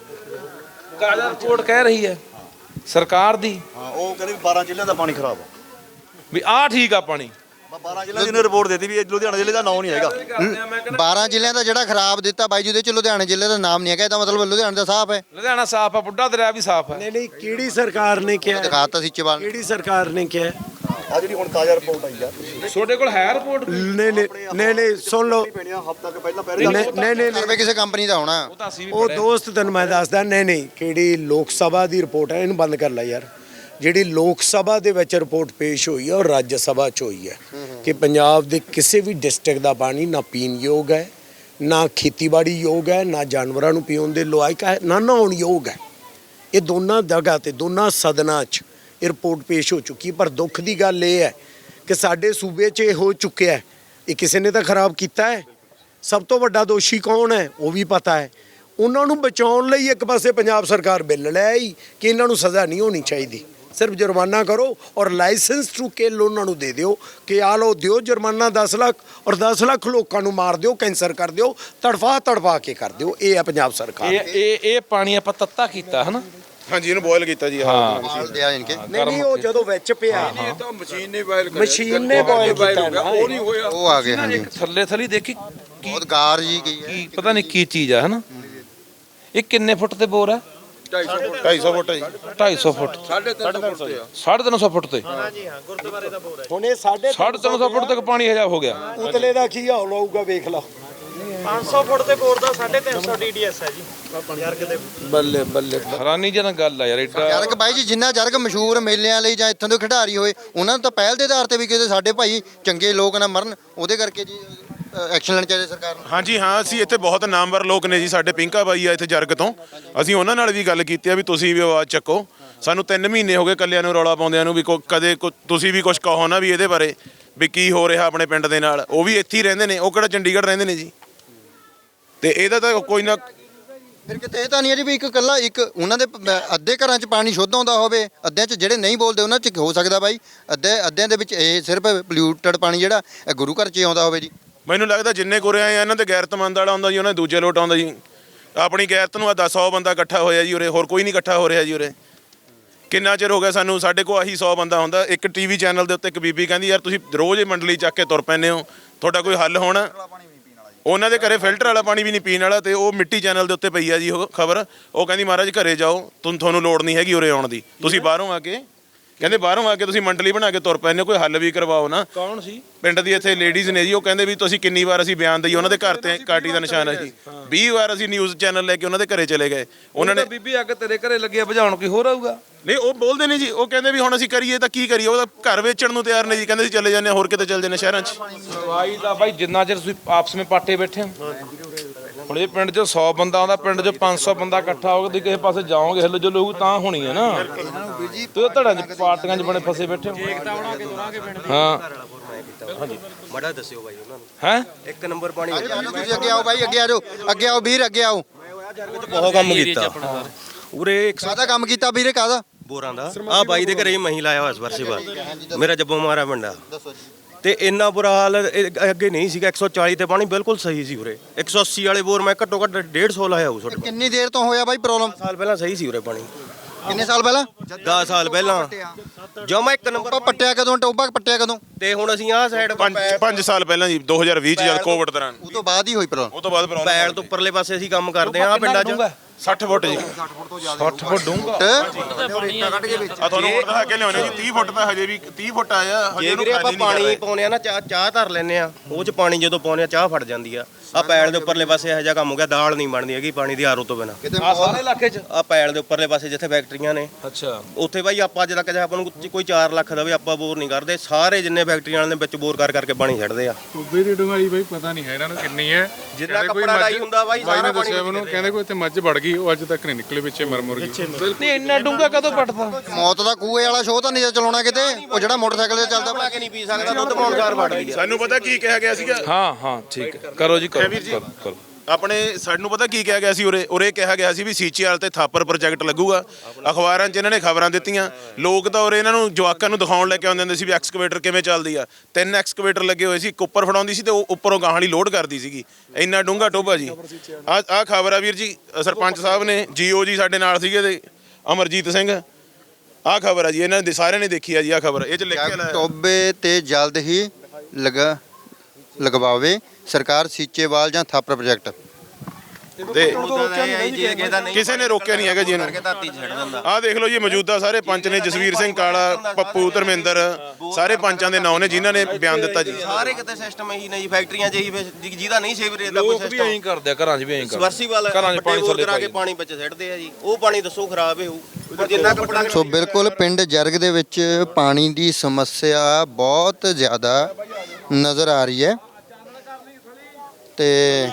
[SPEAKER 3] ਤਾਜ਼ਾ ਰਿਪੋਰਟ ਕਹਿ ਰਹੀ ਹੈ ਸਰਕਾਰ ਦੀ
[SPEAKER 9] ਹਾਂ ਉਹ ਕਹਿੰਦੇ ਵੀ ਬਾਰਾਂ ਜ਼ਿਲ੍ਹਿਆਂ ਦਾ ਪਾਣੀ ਖਰਾਬ ਆ।
[SPEAKER 3] ਵੀ ਆਹ ਠੀਕ ਆ ਪਾਣੀ।
[SPEAKER 9] ਬਾਰਾਂ ਜ਼ਿਲ੍ਹਿਆਂ ਦੀ ਰਿਪੋਰਟ ਦਿੱਤੀ ਵੀ ਇਹ ਲੁਧਿਆਣਾ ਜ਼ਿਲ੍ਹੇ ਦਾ ਨਾਮ ਨਹੀਂ ਹੈਗਾ।
[SPEAKER 1] ਬਾਰਾਂ ਜ਼ਿਲ੍ਹਿਆਂ ਦਾ ਜਿਹੜਾ ਖਰਾਬ ਦਿੱਤਾ ਬਾਈ ਜੀ ਉਹਦੇ ਚ ਲੁਧਿਆਣੇ ਜ਼ਿਲ੍ਹੇ ਦਾ ਨਾਮ ਨਹੀਂ ਹੈਗਾ, ਇਹਦਾ ਮਤਲਬ ਲੁਧਿਆਣਾ ਦਾ ਸਾਫ਼ ਹੈ।
[SPEAKER 3] ਲੁਧਿਆਣਾ ਸਾਫ਼ ਆ, ਬੁੱਢਾ ਦਰਿਆ ਵੀ ਸਾਫ਼ ਹੈ।
[SPEAKER 2] ਨਹੀਂ ਨਹੀਂ ਕਿਹੜੀ ਸਰਕਾਰ ਨੇ ਕਿਹਾ?
[SPEAKER 1] ਦਿਖਾਤਾ ਸੀ ਚਵਾਲ
[SPEAKER 2] ਕਿਹੜੀ ਸਰਕਾਰ ਨੇ ਕਿਹਾ?
[SPEAKER 9] ਆ ਜਿਹੜੀ ਹੁਣ ਤਾਜ਼ਾ ਰਿਪੋਰਟ ਆਈ ਆ
[SPEAKER 3] ਤੁਹਾਡੇ ਕੋਲ ਹੈ ਰਿਪੋਰਟ?
[SPEAKER 2] ਨਹੀਂ ਨਹੀਂ ਨਹੀਂ ਨਹੀਂ ਸੁਣ ਲਓ।
[SPEAKER 9] ਹਫ਼ਤਾ ਕੁ ਪਹਿਲਾਂ
[SPEAKER 2] ਨਹੀਂ ਨਹੀਂ ਨਹੀਂ
[SPEAKER 1] ਸਰਵੇ ਕਿਸੇ ਕੰਪਨੀ ਦਾ ਹੋਣਾ।
[SPEAKER 3] ਉਹ ਤਾਂ ਅਸੀਂ ਵੀ
[SPEAKER 2] ਉਹ ਦੋਸਤ ਤੈਨੂੰ ਮੈਂ ਦੱਸਦਾ, ਨਹੀਂ ਨਹੀਂ ਕਿਹੜੀ ਲੋਕ ਸਭਾ ਦੀ ਰਿਪੋਰਟ ਹੈ, ਇਹਨੂੰ ਬੰਦ ਕਰ ਲੈ ਯਾਰ। ਜਿਹੜੀ ਲੋਕ ਸਭਾ ਦੇ ਵਿੱਚ ਰਿਪੋਰਟ ਪੇਸ਼ ਹੋਈ ਹੈ ਔਰ ਰਾਜ ਸਭਾ 'ਚ ਹੋਈ ਹੈ ਕਿ ਪੰਜਾਬ ਦੇ ਕਿਸੇ ਵੀ ਡਿਸਟ੍ਰਿਕਟ ਦਾ ਪਾਣੀ ਨਾ ਪੀਣ ਯੋਗ ਹੈ, ਨਾ ਖੇਤੀਬਾੜੀ ਯੋਗ ਹੈ, ਨਾ ਜਾਨਵਰਾਂ ਨੂੰ ਪੀਉਣ ਦੇ ਲਾਇਕ ਹੈ, ਨਾ ਨਹਾਉਣ ਯੋਗ ਹੈ। ਇਹ ਦੋਨਾਂ ਜਗ੍ਹਾ ਤੇ ਦੋਨਾਂ ਸਦਨਾਂ 'ਚ ਇਹ ਰਿਪੋਰਟ ਪੇਸ਼ ਹੋ ਚੁੱਕੀ। ਪਰ ਦੁੱਖ ਦੀ ਗੱਲ ਇਹ ਹੈ ਕਿ ਸਾਡੇ ਸੂਬੇ 'ਚ ਇਹ ਹੋ ਚੁੱਕਿਆ ਹੈ। ਇਹ ਕਿਸੇ ਨੇ ਤਾਂ ਖਰਾਬ ਕੀਤਾ ਹੈ। ਸਭ ਤੋਂ ਵੱਡਾ ਦੋਸ਼ੀ ਕੌਣ ਹੈ ਉਹ ਵੀ ਪਤਾ ਹੈ। ਉਹਨਾਂ ਨੂੰ ਬਚਾਉਣ ਲਈ ਇੱਕ ਪਾਸੇ ਪੰਜਾਬ ਸਰਕਾਰ ਬਿੱਲ ਲੈ ਆਈ ਕਿ ਇਹਨਾਂ ਨੂੰ ਸਜ਼ਾ ਨਹੀਂ ਹੋਣੀ ਚਾਹੀਦੀ, ਸਿਰਫ ਜੁਰਮਾਨਾ ਕਰੋ ਔਰ ਲਾਇਸੈਂਸ ਟੂ ਕਿਲ ਉਹਨਾਂ ਨੂੰ ਦੇ ਦਿਓ ਕਿ ਆ ਲਓ ਦਿਓ ਜੁਰਮਾਨਾ ਦਸ ਲੱਖ ਔਰ ਦਸ ਲੱਖ ਲੋਕਾਂ ਨੂੰ ਮਾਰ ਦਿਓ, ਕੈਂਸਰ ਕਰ ਦਿਓ, ਤੜਫਾ ਤੜਫਾ ਕੇ ਕਰ ਦਿਓ। ਇਹ ਹੈ ਪੰਜਾਬ ਸਰਕਾਰ।
[SPEAKER 3] ਇਹ ਇਹ ਇਹ ਪਾਣੀ ਆਪਾਂ ਤੱਤਾ ਕੀਤਾ ਹੈ ਨਾ?
[SPEAKER 5] ਹਾਂਜੀ ਇਹਨੂੰ ਬੋਇਲ ਕੀਤਾ ਜੀ।
[SPEAKER 3] ਹਾਂ
[SPEAKER 1] ਦਿਆ ਇਨਕੇ
[SPEAKER 2] ਨਹੀਂ ਨਹੀਂ ਉਹ ਜਦੋਂ ਵਿੱਚ ਪਿਆ
[SPEAKER 8] ਤਾਂ ਮਸ਼ੀਨ ਨੇ ਵਾਇਲ
[SPEAKER 2] ਮਸ਼ੀਨ ਨੇ ਬੋਇਲ ਕੀਤਾ ਨਾ,
[SPEAKER 8] ਉਹ ਨਹੀਂ ਹੋਇਆ।
[SPEAKER 1] ਉਹ ਆ ਗਏ ਹਾਂਜੀ।
[SPEAKER 3] ਥੱਲੇ ਥਲੀ ਦੇਖੀ
[SPEAKER 1] ਬਹੁਤ ਗਾਰ ਜੀ ਗਈ ਹੈ।
[SPEAKER 3] ਕੀ ਪਤਾ ਨਹੀਂ ਕੀ ਚੀਜ਼ ਆ, ਹਨਾ? ਇਹ ਕਿੰਨੇ ਫੁੱਟ ਤੇ ਬੋਰ ਹੈ?
[SPEAKER 5] ਢਾਈ ਸੌ ਫੁੱਟ ਜੀ।
[SPEAKER 3] ਢਾਈ ਸੌ ਫੁੱਟ,
[SPEAKER 8] ਸਾਢੇ ਤਿੰਨ ਫੁੱਟ ਆ।
[SPEAKER 3] ਸਾਢੇ ਤਿੰਨ ਸੌ ਫੁੱਟ ਤੇ
[SPEAKER 2] ਹੁਣ ਇਹ ਸਾਡੇ
[SPEAKER 3] ਸਾਢੇ ਤਿੰਨ ਸੌ ਫੁੱਟ ਤੱਕ ਪਾਣੀ ਹਜਾ ਹੋ ਗਿਆ।
[SPEAKER 2] ਉਤਲੇ ਦਾ ਕੀ ਹਾਲ ਹੋਊਗਾ ਵੇਖ ਲਾ।
[SPEAKER 7] ਪੰਜ ਸੌ ਫੁੱਟ ਤੇ ਬੋਰ ਦਾ ਸਾਢੇ ਤਿੰਨ ਸੌ ਡੀਡੀਐਸ ਹੈ ਜੀ ਜਰਗ ਦੇ।
[SPEAKER 2] ਬੱਲੇ ਬੱਲੇ
[SPEAKER 3] ਹੈਰਾਨੀ ਜਨ ਗੱਲ ਆ ਯਾਰ। ਏਡਾ
[SPEAKER 1] ਜਰਗ ਬਾਈ ਜੀ ਜਿੰਨਾ ਜਰਗ ਮਸ਼ਹੂਰ ਮੇਲਿਆਂ ਲਈ ਜਾਂ ਇੱਥੋਂ ਦੇ ਖਿਡਾਰੀ ਹੋਏ ਉਹਨਾਂ ਨੂੰ ਤਾਂ ਪਹਿਲ ਦੇ ਆਧਾਰ ਤੇ ਵੀ ਕਿਤੇ ਸਾਡੇ ਭਾਈ ਚੰਗੇ ਲੋਕ ਨਾ ਮਰਨ, ਉਹਦੇ ਕਰਕੇ ਜੀ ਐਕਸ਼ਨ ਲੈਣਾ ਚਾਹੀਦਾ ਸਰਕਾਰ ਨੂੰ।
[SPEAKER 5] ਹਾਂਜੀ ਹਾਂ, ਅਸੀਂ ਇੱਥੇ ਬਹੁਤ ਨਾਮਵਰ ਲੋਕ ਨੇ ਜੀ। ਸਾਡੇ ਪਿੰਕਾ ਬਾਈ ਆ ਇੱਥੇ ਜਰਗ ਤੋਂ, ਅਸੀਂ ਉਹਨਾਂ ਨਾਲ ਵੀ ਗੱਲ ਕੀਤੀ ਆ ਵੀ ਤੁਸੀਂ ਵੀ ਆਵਾਜ਼ ਚੱਕੋ। ਸਾਨੂੰ ਤਿੰਨ ਮਹੀਨੇ ਹੋ ਗਏ ਕੱਲਿਆਂ ਨੂੰ ਰੌਲਾ ਪਾਉਂਦਿਆਂ ਨੂੰ ਵੀ ਕੋ ਕਦੇ ਕੋ ਤੁਸੀਂ ਵੀ ਕੁਝ ਕਹੋ ਨਾ ਵੀ ਇਹਦੇ ਬਾਰੇ ਵੀ ਕੀ ਹੋ ਰਿਹਾ ਆਪਣੇ ਪਿੰਡ ਦੇ ਨਾਲ। ਉਹ ਵੀ ਇੱਥੇ ਹੀ ਰਹਿੰਦੇ ਨੇ, ਉਹ ਕਿਹੜਾ ਚੰਡੀਗੜ੍ਹ ਰਹਿੰਦੇ ਨੇ ਜੀ। ਤੇ ਇਹਦਾ ਤਾਂ ਕੋਈ ਨਾ
[SPEAKER 1] ਫਿਰ ਕਿਤੇ ਇਹ ਤਾਂ ਨਹੀਂ ਹੈ ਜੀ ਵੀ ਇੱਕ ਇਕੱਲਾ ਇੱਕ ਉਹਨਾਂ ਦੇ ਪ- ਅੱਧੇ ਘਰਾਂ 'ਚ ਪਾਣੀ ਸ਼ੁੱਧ ਆਉਂਦਾ ਹੋਵੇ, ਅੱਧਿਆਂ 'ਚ ਜਿਹੜੇ ਨਹੀਂ ਬੋਲਦੇ ਉਹਨਾਂ 'ਚ ਹੋ ਸਕਦਾ ਬਾਈ ਅੱਧੇ ਅੱਧਿਆਂ ਦੇ ਵਿੱਚ ਇਹ ਸਿਰਫ ਪੋਲਿਊਟਡ ਪਾਣੀ ਜਿਹੜਾ ਇਹ ਗੁਰੂ ਘਰ 'ਚ ਹੀ ਆਉਂਦਾ ਹੋਵੇ ਜੀ।
[SPEAKER 5] ਮੈਨੂੰ ਲੱਗਦਾ ਜਿੰਨੇ ਗੁਰੇ ਆਏ ਆ ਇਹਨਾਂ ਤੇ ਗੈਰਤਮੰਦ ਵਾਲਾ ਆਉਂਦਾ ਜੀ, ਉਹਨਾਂ ਦੇ ਦੂਜੇ ਲੋਟ ਆਉਂਦਾ ਜੀ। ਆਪਣੀ ਗੈਰਤ ਨੂੰ ਆ ਦਸ ਸੌ ਬੰਦਾ ਇਕੱਠਾ ਹੋਇਆ ਜੀ ਉਰੇ, ਹੋਰ ਕੋਈ ਨਹੀਂ ਇਕੱਠਾ ਹੋ ਰਿਹਾ ਜੀ ਉਰੇ। ਕਿੰਨਾ ਚਿਰ ਹੋ ਗਿਆ ਸਾਨੂੰ, ਸਾਡੇ ਕੋਲ ਆਹੀ ਸੌ ਬੰਦਾ ਹੁੰਦਾ। ਇੱਕ ਟੀਵੀ ਚੈਨਲ ਦੇ ਉੱਤੇ ਇੱਕ ਬੀਬੀ ਕਹਿੰਦੀ ਯਾਰ ਤੁਸੀਂ ਰੋਜ਼ ਇਹ ਮੰਡਲੀ ਚੱਕ ਕੇ ਤੁਰ ਪੈਂਦੇ ਹੋ, ਤੁਹਾਡਾ ਕੋਈ ਹੱਲ ਹੋਣਾ? ਉਹਨਾਂ ਦੇ ਘਰੇ ਫਿਲਟਰ ਵਾਲਾ ਪਾਣੀ ਵੀ ਨਹੀਂ ਪੀਣ ਵਾਲਾ। ਤੇ ਉਹ ਮਿੱਟੀ ਚੈਨਲ ਦੇ ਉੱਤੇ ਪਈ ਆ ਜੀ ਉਹ ਖਬਰ। ਉਹ ਕਹਿੰਦੀ ਮਹਾਰਾਜ ਘਰੇ ਜਾਓ, ਤੁਹਾਨੂੰ ਤੁਹਾਨੂੰ ਲੋੜ ਨਹੀਂ ਹੈਗੀ ਉਰੇ ਆਉਣ ਦੀ, ਤੁਸੀਂ ਬਾਹਰੋਂ ਆ ਕੇ ਕਹਿੰਦੇ ਬਾਹਰੋਂ ਆ ਕੇ ਤੁਸੀਂ ਮੰਡਲੀ ਬਣਾ ਕੇ ਤੁਰ ਪੈਂਦੇ ਹੋ, ਕੋਈ ਹੱਲ ਵੀ ਕਰਵਾਓ ਨਾ।
[SPEAKER 3] ਕੌਣ ਸੀ?
[SPEAKER 5] ਪਿੰਡ ਦੀ ਇੱਥੇ ਲੇਡੀਜ਼ ਨੇ ਜੀ, ਉਹ ਕਹਿੰਦੇ ਵੀ ਤੁਸੀਂ ਕਿੰਨੀ ਵਾਰ ਅਸੀਂ ਬਿਆਨ ਦਈਏ, ਉਹਨਾਂ ਦੇ ਘਰ ਤੇ ਕਾਟੀ ਦਾ ਨਿਸ਼ਾਨ ਹੈ ਜੀ। ਵੀਹ ਵਾਰ ਅਸੀਂ ਨਿਊਜ਼ ਚੈਨਲ ਲੈ ਕੇ ਉਹਨਾਂ ਦੇ ਘਰੇ ਚਲੇ ਗਏ। ਉਹਨਾਂ ਨੇ
[SPEAKER 3] ਬੀਬੀ ਅੱਗ ਤੇਰੇ ਘਰੇ ਲੱਗਿਆ ਬੁਝਾਉਣ, ਕੋਈ ਹੋਰ ਆਊਗਾ?
[SPEAKER 5] ਨਹੀਂ ਉਹ ਬੋਲਦੇ ਨੇ ਜੀ, ਉਹ ਕਹਿੰਦੇ ਵੀ ਹੁਣ ਅਸੀਂ ਕਰੀਏ ਤਾਂ ਕੀ ਕਰੀਏ। ਉਹਦਾ ਘਰ ਵੇਚਣ ਨੂੰ ਤਿਆਰ ਨੇ ਜੀ, ਕਹਿੰਦੇ ਅਸੀਂ ਚਲੇ ਜਾਂਦੇ ਹਾਂ, ਹੋਰ ਕਿਤੇ ਚਲੇ ਜਾਂਦੇ ਸ਼ਹਿਰਾਂ 'ਚ।
[SPEAKER 3] ਦਵਾਈ ਦਾ ਬਾਈ ਜਿੰਨਾ ਚਿਰ ਤੁਸੀਂ ਆਪਸ ਵਿੱਚ ਪਾਟੇ ਬੈਠੇ ਹੋ। ਹੁਣ ਇਹ ਪਿੰਡ 'ਚ ਸੌ ਬੰਦਾ ਆਉਂਦਾ, ਪਿੰਡ 'ਚ ਪੰਜ ਸੌ ਬੰਦਾ ਇਕੱਠਾ ਹੋ ਕੇ ਕਿਸੇ ਪਾਸੇ ਜਾਓਗੇ ਹਿੱਲ ਜੁਲ ਹੋਊ ਤਾਂ ਹੋਣੀ ਹੈ ਨਾ। ਤੁਸੀਂ ਧੜਾਂ 'ਚ ਪਾਰਟੀਆਂ 'ਚ ਬਣੇ ਫਸੇ ਬੈਠੇ ਹੋ। ਹਾਂ
[SPEAKER 4] ਬੜਾ ਦੱਸਿਓ ਬਾਈ ਉਹਨਾਂ ਨੂੰ।
[SPEAKER 3] ਹੈ
[SPEAKER 4] ਇੱਕ ਨੰਬਰ ਪਾਣੀ
[SPEAKER 1] ਤੁਸੀਂ ਅੱਗੇ ਆਓ ਬਾਈ, ਅੱਗੇ ਆ ਜਾਓ, ਅੱਗੇ ਆਓ ਵੀਰ, ਅੱਗੇ ਆਓ।
[SPEAKER 4] ਬਹੁਤ ਕੰਮ ਕੀਤਾ ਉਰੇ। ਇੱਕ
[SPEAKER 1] ਕਾਹਦਾ ਕੰਮ ਕੀਤਾ ਵੀਰੇ, ਕਾਹਦਾ?
[SPEAKER 4] ਬੋਰਾਂ ਦਾ ਆ ਬਾਈ ਦੇ ਘਰੇ ਹੀ ਮਹੀਂ ਲਾਇਆ ਹੋਇਆ ਇਸ ਵਰਸੇ ਬਾਅਦ। ਮੇਰਾ ਜੱਬੋ ਮਾਰਾ ਪਿੰਡਾ ਤੇ ਇੰਨਾ ਬੁਰਾ ਹਾਲ ਇਹ ਅੱਗੇ ਨਹੀਂ ਸੀਗਾ। ਇੱਕ ਸੌ ਚਾਲੀ ਤੇ ਪਾਣੀ ਬਿਲਕੁਲ ਸਹੀ ਸੀ ਉਰੇ। ਇੱਕ ਸੌ ਅੱਸੀ ਵਾਲੇ ਬੋਰ ਮੈਂ ਘੱਟੋ ਘੱਟ ਡੇਢ ਸੌ ਲਾਇਆ ਹੋਊ ਤੁਹਾਡੇ
[SPEAKER 1] ਕਿੰਨੀ ਦੇਰ ਤੋਂ ਹੋਇਆ ਬਾਈ ਪ੍ਰੋਬਲਮ?
[SPEAKER 4] ਸਾਲ ਪਹਿਲਾਂ ਸਹੀ ਸੀ ਉਰੇ ਪਾਣੀ।
[SPEAKER 1] ਕਿੰਨੇ ਸਾਲ ਪਹਿਲਾਂ?
[SPEAKER 4] ਦਸ ਸਾਲ ਪਹਿਲਾਂ ਜਮਾ ਇੱਕ ਨੰਬਰ।
[SPEAKER 1] ਆਪਾਂ ਪੱਟਿਆ ਕਦੋਂ, ਟੋਬਾ ਪੱਟਿਆ ਕਦੋਂ?
[SPEAKER 4] ਤੇ ਹੁਣ ਅਸੀਂ ਆਹ ਸਾਈਡ
[SPEAKER 5] ਪੰਜ ਪੰਜ ਸਾਲ ਪਹਿਲਾਂ ਜੀ, ਦੋ ਹਜ਼ਾਰ ਵੀਹ 'ਚ ਜਦ ਕੋਵਿਡ ਦੌਰਾਨ।
[SPEAKER 1] ਉਹ ਤੋਂ ਬਾਅਦ ਹੀ ਹੋਈ ਪ੍ਰੋਬਲਮ।
[SPEAKER 5] ਉਹ ਤੋਂ ਬਾਅਦ ਪ੍ਰੋਬਲਮ
[SPEAKER 4] ਪੈਲ ਤੋਂ ਉੱਪਰਲੇ ਪਾਸੇ ਅਸੀਂ ਕੰਮ ਕਰਦੇ ਆ ਪਿੰਡਾਂ 'ਚ।
[SPEAKER 5] ਸੱਠ ਫੁੱਟ ਜੀ।
[SPEAKER 3] ਸੱਠ ਫੁੱਟ ਡੂੰਘਾ।
[SPEAKER 5] ਆ ਤੁਹਾਨੂੰ ਹੁਣ ਦਿਖਾ ਕੇ ਲਿਆਉਣੇ ਜੀ, ਤੀਹ ਫੁੱਟ ਤਾਂ ਹਜੇ ਵੀ ਤੀਹ ਫੁੱਟ ਆਇਆ ਹਜੇ
[SPEAKER 4] ਜੇ
[SPEAKER 5] ਇਹਨੂੰ
[SPEAKER 4] ਵੀਰੇ ਆਪਾਂ
[SPEAKER 5] ਖਾਲੀ ਨਹੀਂ ਕਰ
[SPEAKER 4] ਪਾਣੀ
[SPEAKER 5] ਰਹੇ।
[SPEAKER 4] ਪਾਉਨੇ ਆ ਨਾ, ਚਾਹ ਚਾਹ ਧਰ ਲੈਨੇ ਆ, ਉਹ 'ਚ ਪਾਣੀ ਜਦੋਂ ਪਾਉਨੇ ਆ ਚਾਹ ਫਟ ਜਾਂਦੀ ਆ। ਆ ਪੈਲ ਦੇ ਉੱਪਰਲੇ ਪਾਸੇ ਇਹੋ ਜਿਹਾ ਕੰਮ ਹੋ ਗਿਆ, ਦਾਲ ਨਹੀਂ ਬਣਦੀ ਹੈਗੀ ਪਾਣੀ ਦੀ ਆਰੋ ਤੋਂ ਬਿਨਾਂ।
[SPEAKER 3] ਆ ਸਾਰੇ ਇਲਾਕੇ 'ਚ?
[SPEAKER 4] ਆ ਪੈਲ ਦੇ ਉੱਪਰਲੇ ਪਾਸੇ ਜਿੱਥੇ ਫੈਕਟਰੀਆਂ ਨੇ,
[SPEAKER 3] ਅੱਛਾ।
[SPEAKER 4] ਉੱਥੇ ਬਾਈ ਆਪਾਂ ਅੱਜ ਤੱਕ ਜੇ ਆਪਾਂ ਨੂੰ ਕੋਈ ਚਾਰ ਲੱਖ ਦਾ ਵੀ ਆਪਾਂ ਬੋਰ ਨਹੀਂ ਕਰਦੇ। ਸਾਰੇ ਜਿੰਨੇ ਫੈਕਟਰੀਆਂ ਵਾਲੇ ਨੇ ਵਿੱਚ ਬੋਰ ਕਰ ਕਰਕੇ ਪਾਣੀ ਛੱਡਦੇ ਆ।
[SPEAKER 6] ਟੋਬੇ ਦੀ ਡੂੰਘਾਈ ਬਈ ਪਤਾ ਨਹੀਂ ਹੈ ਇਹਨਾਂ ਨੂੰ ਕਿੰਨੀ ਹੈ।
[SPEAKER 4] ਜਿੰਨਾ ਕੱਪੜਾ ਡਾਈ ਹੁੰਦਾ ਬਾਈ
[SPEAKER 6] ਬਾਈ
[SPEAKER 4] ਸਾਰਾ
[SPEAKER 6] ਨੇ
[SPEAKER 4] ਪਾਣੀ
[SPEAKER 6] ਦੱਸਿਆ ਮੈਨੂੰ, ਕਹਿੰਦੇ ਕੋਈ ਇੱਥੇ ਮੱਝ ਵੜ ਗਈ, ਉਹ ਅੱਜ ਤੱਕ ਨਹੀਂ ਨਿਕਲੇ, ਵਿੱਚੇ ਮਰ ਮੁਰ ਗਈ।
[SPEAKER 3] ਨਹੀਂ ਇੰਨਾ ਡੂੰਘਾ ਕਦੋਂ ਪੱਟਦਾ?
[SPEAKER 1] ਮੌਤ ਦਾ ਕੂਏ ਵਾਲਾ ਸ਼ੋਅ ਤਾਂ ਨਹੀਂ ਚਲਾਉਣਾ ਕਿਤੇ, ਉਹ ਜਿਹੜਾ ਮੋਟਰਸਾਈਕਲ ਤੇ ਚੱਲਦਾ
[SPEAKER 4] ਬਣਾ ਕੇ ਨਹੀਂ ਪੀ ਸਕਦਾ ਦੁੱਧ ਪਾਉਣ ਸਾਰ ਵੜਦੀ ਆ।
[SPEAKER 5] ਸਾਨੂੰ ਪਤਾ ਕੀ ਕਿਹਾ ਗਿਆ ਸੀਗਾ
[SPEAKER 3] ਹਾਂ ਹਾਂ ਠੀਕ ਹੈ, ਕਰੋ ਜੀ ਕਰੋ ਕਰੋ, ਕਰੋ।
[SPEAKER 5] ਆਪਣੇ ਸਾਨੂੰ ਪਤਾ ਕੀ ਕਿਹਾ ਗਿਆ ਸੀ ਉਰੇ ਉਰੇ ਕਿਹਾ ਗਿਆ ਸੀ ਵੀ ਸੀਚੀਆਰ ਤੇ ਥਾਪਰ ਪ੍ਰੋਜੈਕਟ ਲੱਗੂਗਾ। ਅਖਬਾਰਾਂ 'ਚ ਇਹਨਾਂ ਨੇ ਖਬਰਾਂ ਦਿੱਤੀਆਂ। ਲੋਕ ਤਾਂ ਉਰੇ ਇਹਨਾਂ ਨੂੰ ਜਵਾਕਾਂ ਨੂੰ ਦਿਖਾਉਣ ਲੈ ਕੇ ਆਉਂਦੇ ਹੁੰਦੇ ਸੀ ਵੀ ਐਕਸਕੇਵੇਟਰ ਕਿਵੇਂ ਚੱਲਦੀ ਆ। ਤਿੰਨ ਐਕਸਕੇਵੇਟਰ ਲੱਗੇ ਹੋਏ ਸੀ, ਇੱਕ ਉੱਪਰ ਫੜਾਉਂਦੀ ਸੀ ਤੇ ਉਹ ਉੱਪਰੋਂ ਗਾਹਾਂ ਵਾਲੀ ਲੋਡ ਕਰਦੀ ਸੀਗੀ। ਇੰਨਾ ਡੂੰਘਾ ਟੋਭਾ ਜੀ। ਆ ਆ ਖਬਰ ਆ ਵੀਰ ਜੀ, ਸਰਪੰਚ ਸਾਹਿਬ ਨੇ, ਜੀਓ ਜੀ ਸਾਡੇ ਨਾਲ ਸੀਗੇ ਤੇ ਅਮਰਜੀਤ ਸਿੰਘ। ਆਹ ਖਬਰ ਆ ਜੀ, ਇਹਨਾਂ ਦੇ ਸਾਰਿਆਂ ਨੇ ਦੇਖੀ ਆ ਜੀ। ਆਹ ਖਬਰ ਇਹ 'ਚ ਲਿਖ ਕੇ ਲਾਇਆ
[SPEAKER 1] ਟੋਬੇ ਤੇ ਜਲਦ ਹੀ ਲਗਾ ਲਗਵਾਵੇ ਸਰਕਾਰ ਸੀਚੇਵਾਲ ਜਾਂ ਥਾਪਰ ਪ੍ਰੋਜੈਕਟ।
[SPEAKER 5] ਤੇ
[SPEAKER 4] ਕਿਸੇ
[SPEAKER 5] ਕਿਸੇ ਨੇ ਰੋਕਿਆ ਨਹੀਂ ਹੈਗਾ ਜੀ ਇਹਨੂੰ।
[SPEAKER 4] ਧਰਤੀ 'ਚ ਛੱਡ ਦਿੰਦਾ।
[SPEAKER 5] ਆਹ ਦੇਖ ਲਓ ਜੀ ਮੌਜੂਦਾ ਸਾਰੇ ਪੰਚ ਨੇ, ਜਸਵੀਰ ਸਿੰਘ ਕਾਲਾ, ਪੱਪੂ ਧਰਮਿੰਦਰ, ਸਾਰੇ ਪੰਚਾਂ ਦੇ ਨਾਂ ਨੇ ਜਿਨ੍ਹਾਂ ਨੇ ਬਿਆਨ ਦਿੱਤਾ ਜੀ।
[SPEAKER 4] ਸਾਰੇ ਕਿਤੇ ਸਿਸਟਮ ਇਹੀ ਨੇ ਜੀ, ਫੈਕਟਰੀਆਂ 'ਚ ਇਹੀ ਫਿਰ ਜਿਹਦਾ ਨਹੀਂ ਸੀਵਰੇਜ ਦਾ ਕੋਈ
[SPEAKER 3] ਲੋਕ ਵੀ
[SPEAKER 4] ਸਿਸਟਮ
[SPEAKER 3] ਐਂ ਕਰਦੇ ਆ, ਘਰਾਂ 'ਚ ਵੀ ਐਂ ਕਰਦੇ
[SPEAKER 4] ਸਬਮਰਸੀਬਲ
[SPEAKER 3] ਘਰਾਂ 'ਚ ਪਾਣੀ ਥੱਲੇ
[SPEAKER 4] ਕਰਾ ਕੇ ਪਾਣੀ ਵਿੱਚ ਸਿੱਟਦੇ ਆ ਜੀ। ਉਹ ਪਾਣੀ ਦੱਸੋ ਖਰਾਬ ਹੀ ਹੋਊ ਪਰ ਜਿੰਨਾ ਕੱਪੜਾ।
[SPEAKER 1] ਸੋ ਬਿਲਕੁਲ ਪਿੰਡ ਜਰਗ ਦੇ ਵਿੱਚ ਪਾਣੀ ਦੀ ਸਮੱਸਿਆ ਬਹੁਤ ਜ਼ਿਆਦਾ ਨਜ਼ਰ ਆ ਰਹੀ ਹੈ ਤੇ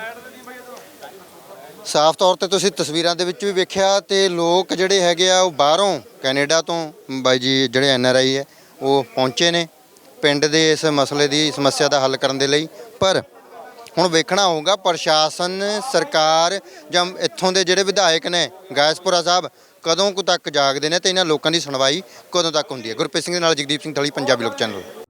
[SPEAKER 1] ਸਾਫ਼ ਤੌਰ ਤੇ ਤੁਸੀਂ ਤਸਵੀਰਾਂ ਦੇ ਵਿੱਚ ਵੀ ਵੇਖਿਆ ਤੇ ਲੋਕ ਜਿਹੜੇ ਹੈਗੇ ਆ ਉਹ ਬਾਹਰੋਂ ਕੈਨੇਡਾ ਤੋਂ ਬਾਈ ਜੀ ਜਿਹੜੇ ਐਨ ਆਰ ਆਈ ਹੈ ਉਹ ਪਹੁੰਚੇ ਨੇ ਪਿੰਡ ਦੇ ਇਸ ਮਸਲੇ ਦੀ ਸਮੱਸਿਆ ਦਾ ਹੱਲ ਕਰਨ ਦੇ ਲਈ। ਪਰ ਹੁਣ ਵੇਖਣਾ ਹੋਊਗਾ ਪ੍ਰਸ਼ਾਸਨ, ਸਰਕਾਰ ਜਾਂ ਇੱਥੋਂ ਦੇ ਜਿਹੜੇ ਵਿਧਾਇਕ ਨੇ ਗਾਇਸਪੁਰਾ ਸਾਹਿਬ ਕਦੋਂ ਕੁ ਤੱਕ ਜਾਗਦੇ ਨੇ ਤੇ ਇਹਨਾਂ ਲੋਕਾਂ ਦੀ ਸੁਣਵਾਈ ਕਦੋਂ ਤੱਕ ਹੁੰਦੀ ਹੈ। ਗੁਰਪ੍ਰੀਤ ਸਿੰਘ ਦੇ ਨਾਲ ਜਗਦੀਪ ਸਿੰਘ ਥਲੀ, ਪੰਜਾਬੀ ਲੋਕ ਚੈਨਲ।